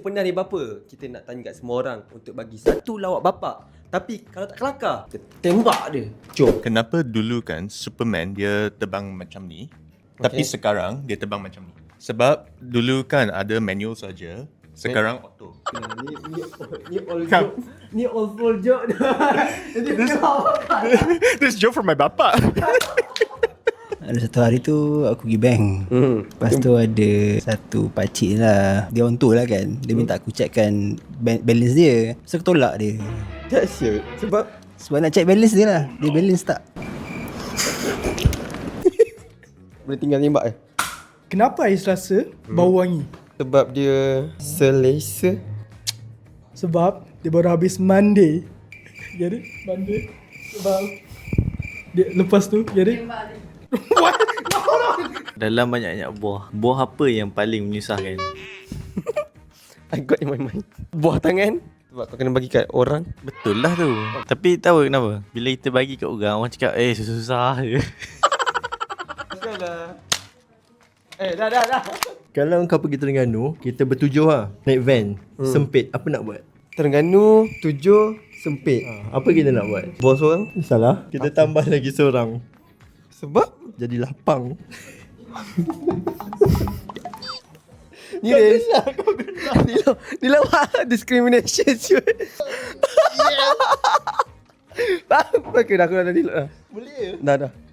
pernah ni bapa, kita nak tanya kat semua orang untuk bagi satu lawak bapa. Tapi kalau tak kelakar, kita tembak dia. Jom. Kenapa dulu kan Superman dia terbang macam ni, tapi sekarang dia terbang macam ni? Sebab dulu kan ada manual saja, sekarang auto. Ni all joke. Ni all full joke dah. This joke from my bapa. Ada satu hari tu aku pergi bank. Lepas tu ada satu pakcik lah, dia orang tu lah kan, dia minta aku checkkan balance dia. So aku tolak dia. Dahsyat. Sebab Sebab nak check balance dia lah, dia balance tak. boleh tinggal tembak Kenapa ais rasa bau wangi? Sebab dia selesa. Sebab dia baru habis mandi. Jadi mandi. Sebab dia lepas tu jadi Dalam banyak-banyak buah apa yang paling menyusahkan? I got in my mind. Buah tangan. Sebab kau kena bagi kat orang. Betul lah tu. Tapi tahu kenapa? Bila kita bagi kat orang cakap susah je. Dah. Kalau kau pergi Terengganu, kita bertujuh lah, naik van, sempit, apa nak buat? Terengganu 7 sempit. Apa kita nak buat? Bos orang. Salah, kita tambah lagi seorang. Sebab Jadi lapang. ni lawak discrimination siut. Apa ke dah aku dah delete dah. Boleh. Dah.